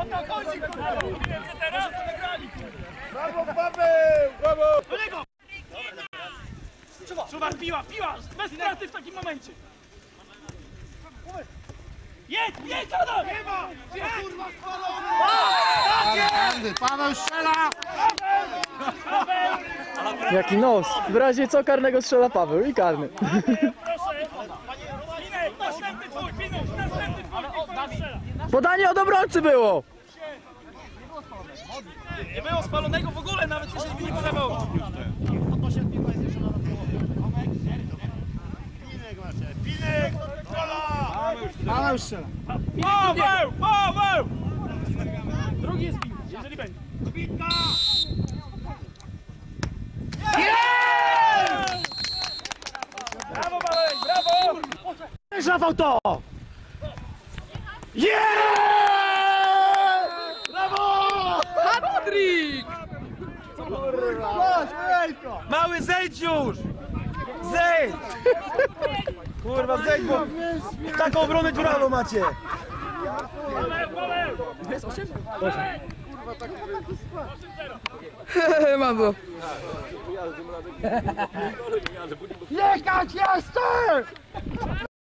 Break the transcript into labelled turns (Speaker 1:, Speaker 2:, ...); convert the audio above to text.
Speaker 1: O to chodzi, kurwa! Wiem, że teraz to nagrali, kurwa!
Speaker 2: Brawo, Paweł! Brawo!
Speaker 1: Do niego! Czuwar, piła! Bez straty w takim momencie! Jedź, Adam! Nie ma! Gdzie, kurwa, spalony!
Speaker 2: Paweł strzela!
Speaker 3: Jaki nos! W razie co karnego strzela Paweł i karny.
Speaker 1: Proszę! Minek, następny twój, Pinuś, następny twój, strzela!
Speaker 3: Podanie od obrońcy było!
Speaker 1: Nie było spalonego w ogóle, nawet jeżeli by nie podawał.
Speaker 2: Pinek! Gola! Paweł strzela!
Speaker 1: Paweł! Drugi jest Pinuś, jeżeli będzie.
Speaker 2: Bitka!
Speaker 1: Brawo, Paweł, brawo!
Speaker 2: Złapał to! Brawo!
Speaker 3: Patryk!
Speaker 2: Mały, zejdź już! Zejdź! Kurwa, zejdź, bo taką obronę dziurawą macie!
Speaker 1: Paweł!
Speaker 3: Mam było.
Speaker 2: Jechać jeszcze!